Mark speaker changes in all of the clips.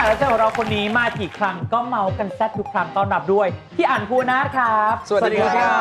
Speaker 1: กรับเชิญของเราคนนี้มากี่ครั้งก็เมากันแซ่บทุกครั้งต้อนรับด้วยพี่อั๋นภูนาถครับ
Speaker 2: สวัสดีครับ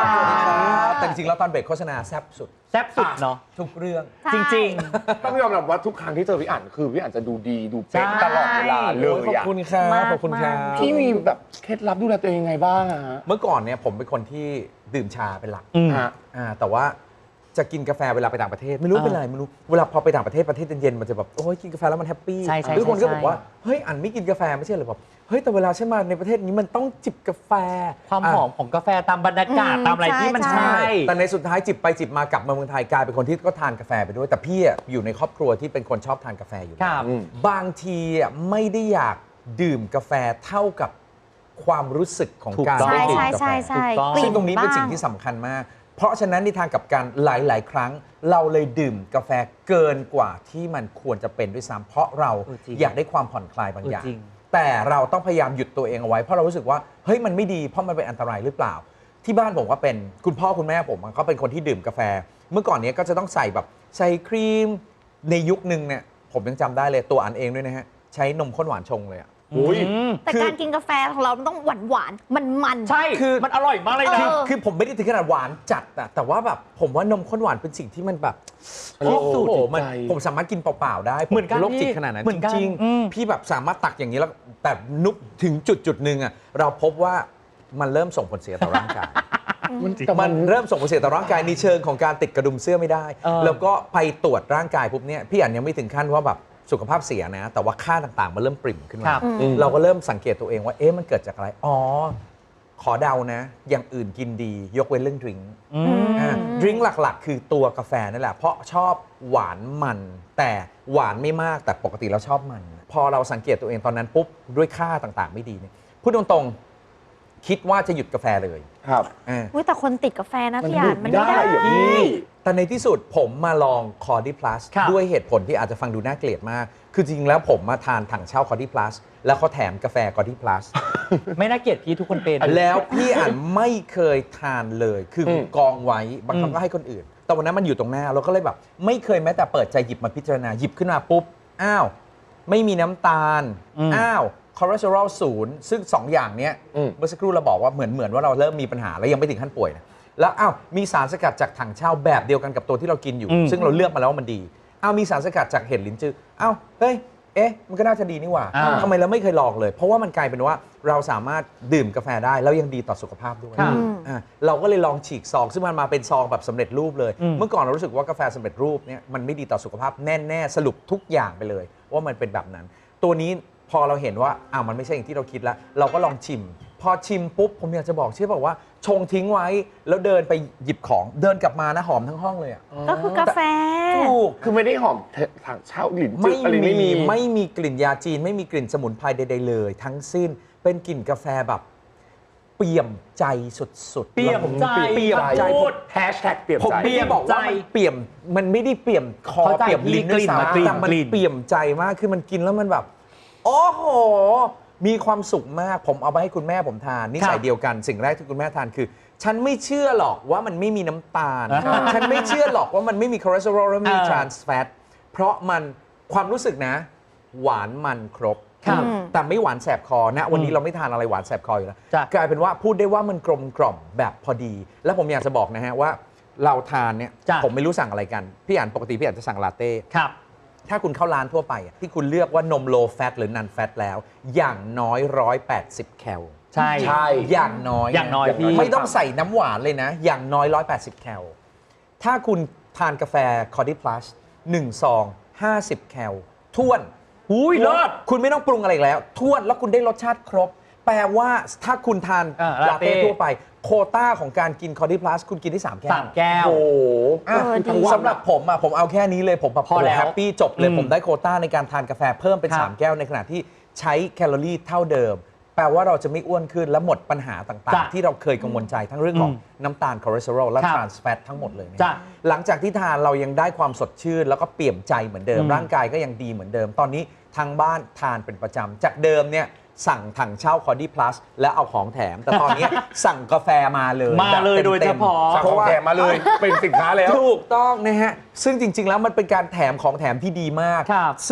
Speaker 3: แต่จริงๆแล้วตอนเบรกโฆษณาแซ่บสุด
Speaker 1: แซ่บสุดเนาะ
Speaker 3: ทุกเรื่อง
Speaker 1: จริง
Speaker 2: ต้องยอมรับว่าทุกครั้งที่เจอพี่อั๋นคือพี่อั๋นจะดูดีดูเป๊ะ
Speaker 1: ใช่
Speaker 2: ตลอดเวลาเล
Speaker 3: ขอย บ
Speaker 2: อ่ะ
Speaker 3: คุณครับขอบคุณครับ
Speaker 2: พี่มีแบบเคล็ดลับดูแลตัวเองยังไงบ้างอะฮะ
Speaker 3: เมื่อก่อนเนี่ยผมเป็นคนที่ดื่มชาเป็นหลัก
Speaker 1: อืม
Speaker 2: ฮะ
Speaker 3: แต่ว่าจะกินกาแฟเวลาไปต่างประเทศไม่รู้เป็นไรไม่รู้เวลาพอไปต่างประเทศเย็นๆมันจะแบบโอ้ยกินกาแฟแล้วมันแฮปปี้
Speaker 1: ใช่ใช่
Speaker 3: ทุกคนก็
Speaker 1: ใช่
Speaker 3: บอกว่าเฮ้ยอั๋นไม่กินกาแฟไม่ใช่เหรอแบบเฮ้ยแต่เวลาฉันมาในประเทศนี้มันต้องจิบกาแฟ
Speaker 1: ความหอมของกาแฟตามบรรยากาศตามอะไรที่มัน
Speaker 4: ใช่
Speaker 1: ใช่
Speaker 3: แต่ในสุดท้ายจิบไปจิบมากลับมาเมืองไทยกลายเป็นคนที่ก็ทานกาแฟไปด้วยแต่พี่อะอยู่ในครอบครัวที่เป็นคนชอบทานกาแฟอยู่
Speaker 1: ค
Speaker 3: แล้ว
Speaker 1: รับ
Speaker 3: บางทีอะไม่ได้อยากดื่มกาแฟเท่ากับความรู้สึกของ
Speaker 1: ถูก
Speaker 3: การ
Speaker 1: ต้อง
Speaker 3: ได้
Speaker 4: ใช่
Speaker 3: ดื่ม
Speaker 4: ใช่
Speaker 3: กาแฟ
Speaker 4: ใช่ใช่
Speaker 1: ถูกต้อง
Speaker 4: กลิ่
Speaker 3: ซึ่งตรงนี้เป็น
Speaker 4: บ้า
Speaker 3: สิ่งที่สำคัญมาก เพราะฉะนั้นในทางกลับกันหลาย ๆ ครั้ง เราเลยดื่มกาแฟเกินกว่าที่มันควรจะเป็นด้วยซ้ำเพราะเรา
Speaker 1: จริง
Speaker 3: อยากได้ความผ่อนคลายบางอย่าง
Speaker 1: จริง
Speaker 3: แต่เราต้องพยายามหยุดตัวเองเอาไว้เพราะเรารู้สึกว่าเฮ้ยมันไม่ดีเพราะมันเป็นอันตรายหรือเปล่า ที่บ้านผมก็เป็นคุณพ่อคุณแม่ผมก็เป็นคนที่ดื่มกาแฟ เมื่อก่อนเนี้ยก็จะต้องใส่แบบใส่ครีมในยุคนึงเนี่ยผมยังจำได้เลยตัวอันเองด้วยนะฮะใช้นมข้นหวานชงเลยอะ
Speaker 2: อุ้ย
Speaker 4: แต่
Speaker 3: คือ
Speaker 4: การกินกาแฟของเรามันต้องหวานมัน
Speaker 1: ใช่
Speaker 3: คือ
Speaker 1: มันอร่อยมากเลยนะ
Speaker 3: คือผมไม่ได้ถึงขนาดหวานจัดอะแต่ว่าแบบผมว่านมข้นหวานเป็นสิ่งที่มันแบบ
Speaker 2: ที่สุด
Speaker 3: โอ้โหมัน
Speaker 2: ใจ
Speaker 3: ผมสามารถกินเปล่าๆได้
Speaker 1: เหมือนกัน
Speaker 3: โรคจิต
Speaker 1: พี่
Speaker 3: ขนาดนั้น
Speaker 1: เหมือนกัน
Speaker 3: จริง
Speaker 1: อืม
Speaker 3: ๆพี่แบบสามารถตักอย่างนี้แล้วแต่นุกถึงจุดหนึ่งอะเราพบว่ามันเริ่มส่งผลเสียต่อร่างกาย มันเริ่มส่งผลเสียต่อร่างกายในเชิงของการติดกระดุมเสื้อไม่ได้ แล้วก็ไปตรวจร่างกายปุ๊บเนี่ยพี่อันยังไม่ถึงขั้นว่าแบบสุขภาพเสียนะ แต่ว่าค่าต่างๆมันเริ่มปริ่มขึ้น
Speaker 1: ค
Speaker 3: มา
Speaker 1: รับ
Speaker 3: เราก็เริ่มสังเกตตัวเองว่าเอ๊ะมันเกิดจากอะไรอ๋อขอเดานะ อย่างอื่นกินดียกเว้นเรื่องดริงก์
Speaker 1: อืม
Speaker 3: ดริงก์หลักๆ คือตัวกาแฟนั่นแหละเพราะชอบหวานมัน แต่หวานไม่มากแต่ปกติเราชอบมัน พอเราสังเกตตัวเองตอนนั้นปุ๊บด้วยค่าต่างๆ ไม่ดีเนี่ยพูดตรงๆคิดว่าจะหยุดกาแฟเลย
Speaker 2: ครับ
Speaker 3: อ่า
Speaker 4: อุ๊ยแต่คนติดกาแฟนะ
Speaker 2: มัน
Speaker 4: พี่อ่าน
Speaker 2: หยุด
Speaker 4: มันไม่
Speaker 2: ได้
Speaker 4: ได้
Speaker 2: เหรอพี่
Speaker 3: แต่ในที่สุดผมมาลองคอร์ดี้พลัส
Speaker 1: ครับ
Speaker 3: ด้วยเหตุผลที่อาจจะฟังดูน่าเกลียดมาก คือจริงๆแล้วผมมาทานถังเช่าคอร์ดี้พลัสแล้วเขาแถมกาแฟคอร์ดี้พลัส
Speaker 1: ไม่น่าเกลียดพี่ทุกคนเป็น
Speaker 3: แล้วพี่อ่านไม่เคยทานเลย คืออ
Speaker 2: ม
Speaker 3: กองไว้บางครั้งก็ให้คนอื่น แต่วันนั้นมันอยู่ตรงหน้าเราก็เลยแบบ ไม่เคยแม้แต่เปิดใจหยิบมาพิจารณาหยิบขึ้นมาปุ๊บอ้าวไม่มีน้ำตาล
Speaker 1: อืม
Speaker 3: อ้าวคอเลสเตอรอลศูนย์ซึ่ง 2 อย่างเนี้ย เมื่อสักครู่เราบอกว่าเหมือนว่าเราเริ่มมีปัญหาแล้วยังไม่ถึงขั้นป่วยนะแล้วอ้าวมีสารสกัดจากถังเช่าแบบเดียวกันกับตัวที่เรากินอยู่ ซึ่งเราเลือกมาแล้วว่ามันดีอ้าวมีสารสกัดจากเห็ดลิ้นจืออ้าวเฮ้ยเอ๊ะมันก็น่าจะดีนี่หว่า
Speaker 1: อ่า
Speaker 3: ทำไมเราไม่เคยลองเลย เพราะว่ามันกลายเป็นว่าเราสามารถดื่มกาแฟได้แล้วยังดีต่อสุขภาพด้วย
Speaker 1: ครับ
Speaker 3: เราก็เลยลองฉีกซองซึ่งมันมาเป็นซองแบบสำเร็จรูปเลย
Speaker 1: อืม
Speaker 3: เมื่อก่อนเรารู้สึกว่ากาแฟสำเร็จรูปเนี่ยมันไม่ดีต่อสุขภาพแน่ๆสรุปทุกอย่างไปเลย ว่ามันเป็นแบบนั้น ตัวนี้พอเราเห็นว่ามันไม่ใช่อย่างที่เราคิดแล้ว เราก็ลองชิม พอชิมปุ๊บผมอยากจะบอกเชื่อบอกว่าชงทิ้งไว้แล้วเดินไปหยิบของเดินกลับมานะหอมทั้งห้องเลยอะ
Speaker 4: ก็คือกาแฟ
Speaker 3: ถูก
Speaker 2: คือไม่ได้หอมถังเช่ากลิ่นจื
Speaker 3: ไม่
Speaker 2: ดอะไรไม่มี
Speaker 3: มีกลิ่นยาจีน ไม่มีกลิ่นสมุนไพรใดๆเลย ทั้งสิ้นเป็นกลิ่นกาแฟแบบเปี่ยมใจสุดๆ
Speaker 1: เปี่ยมใจ
Speaker 3: เปี่ยมใจ
Speaker 1: พูด
Speaker 2: แฮชแท็กเปลี่ยน
Speaker 3: ผม
Speaker 2: ใจ
Speaker 3: ไม่ได้บอกว่ามันเปี่ยมมันไม่ได้เปี่ยมคอ
Speaker 1: เข้าใจ
Speaker 3: เปี่ยมลิ้นด้วย
Speaker 1: กลิ่นมา
Speaker 3: ซ้ำ
Speaker 1: กลิ่น
Speaker 3: แต่มัน
Speaker 1: กลิ่น
Speaker 3: เปี่ยมใจมากคือมันกินแล้วมันแบบ โอ้โห มีความสุขมากผมเอาไปให้คุณแม่ผมทานนิสัยเดียวกันสิ่งแรกที่คุณแม่ทานคือ ฉันไม่เชื่อหรอกว่ามันไม่มีน้ำตาล ฉันไม่เชื่อหรอกว่ามันไม่มีคอเลสเตอรอลและไม่มีทรานส์แฟตเพราะมันความรู้สึกนะ หวานมันครบ
Speaker 1: ครับ
Speaker 3: แต่ไม่หวานแสบคอนะวันนี้เราไม่ทานอะไรหวานแสบคออยู่แล้ว
Speaker 1: จ้ะ
Speaker 3: กลายเป็นว่าพูดได้ว่ามันกลมกล่อมแบบพอดี แล้วผมอยากจะบอกนะฮะว่าเราทานเนี่ย
Speaker 1: จ้ะ
Speaker 3: ผมไม่รู้สั่งอะไรกันพี่อ่านปกติพี่อ่านจะสั่งลาเต้
Speaker 1: ครับ
Speaker 3: ถ้าคุณเข้าร้านทั่วไปอะที่คุณเลือกว่านมโลแฟตหรือนันแฟตแล้ว อย่างน้อย 180 แคล
Speaker 1: ใช่
Speaker 2: ใช่
Speaker 3: อย่างน้อย
Speaker 1: อย่างน้อยพี่
Speaker 3: ไม่ต้องใส่น้ำหวานเลยนะ อย่างน้อย 180 แคลถ้าคุณทานกาแฟคอร์ดี้พลัส1ซอง50 แคลท้วน
Speaker 1: อุ้ยเลิศ
Speaker 3: คุณไม่ต้องปรุงอะไรอีกแล้วท้วนแล้วคุณได้รสชาติครบ แปลว่าถ้าคุณทาน
Speaker 1: ลา
Speaker 3: ลา
Speaker 1: เต้
Speaker 3: เต้ทั่วไป โควต้าของการกินคอร์ดี้พลัสคุณกินได้3 แก้ว
Speaker 1: 3 แก้ว
Speaker 2: โอ้โห
Speaker 3: อ่ะ
Speaker 4: ดี
Speaker 3: สำหรับผมผมเอาแค่นี้เลยผมแบบ
Speaker 1: พอแล้ว
Speaker 3: แฮปปี้จบเลย
Speaker 1: อืม
Speaker 3: ผมได้โควต้าในการทานกาแฟเพิ่มเป็น
Speaker 1: ครับ
Speaker 3: 3 แก้วในขณะที่ใช้แคลอรี่เท่าเดิม แปลว่าเราจะไม่อ้วนขึ้นและหมดปัญหาต่าง
Speaker 1: จ้ะ
Speaker 3: ๆ ที่เราเคยกังวลใจทั้งเรื่องของน้ำตาลคอเลสเตอรอลและ
Speaker 1: ครับ
Speaker 3: ทรานส์แฟตทั้งหมดเลยนะ
Speaker 1: จ้ะ
Speaker 3: หลังจากที่ทานเรายังได้ความสดชื่น แล้วก็เปี่ยมใจเหมือนเดิม
Speaker 1: อืม
Speaker 3: ร่างกายก็ยังดีเหมือนเดิม ตอนนี้ทางบ้านทานเป็นประจำจากเดิมเนี่ยสั่งถังเช่าคอร์ดี้พลัสแล้วเอาของแถม แต่ตอนนี้ สั่งกาแฟมาเลย
Speaker 1: มาเลย
Speaker 3: แบบ
Speaker 1: โดย
Speaker 3: ต็
Speaker 1: เฉ
Speaker 3: มๆ
Speaker 1: พาะ
Speaker 2: สั่งของแถมมาเลย เป็นสินค้าแล้ว
Speaker 3: ถูกต้องนะฮะ ซึ่งจริง ๆ แล้วมันเป็นการแถมของแถมที่ดีมาก
Speaker 1: ครับ
Speaker 3: ซึ่ง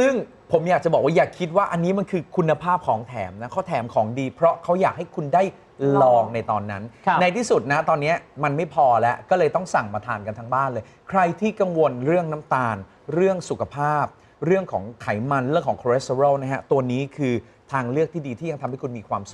Speaker 3: ผมอยากจะบอกว่าอย่าคิดว่าอันนี้มันคือคุณภาพของแถมนะเขาแถมของดี เพราะเขาอยากให้คุณได้ลองในตอนนั้น
Speaker 1: ครับ
Speaker 3: ในที่สุดนะตอนนี้มันไม่พอแล้วก็เลยต้องสั่งมาทานกันทั้งบ้านเลย ใครที่กังวลเรื่องน้ำตาล เรื่องสุขภาพ เรื่องของไขมันเรื่องของคอเลสเตอรอลนะฮะตัวนี้คือทางเลือกที่ดีที่ยังทำให้คุณมีความสุข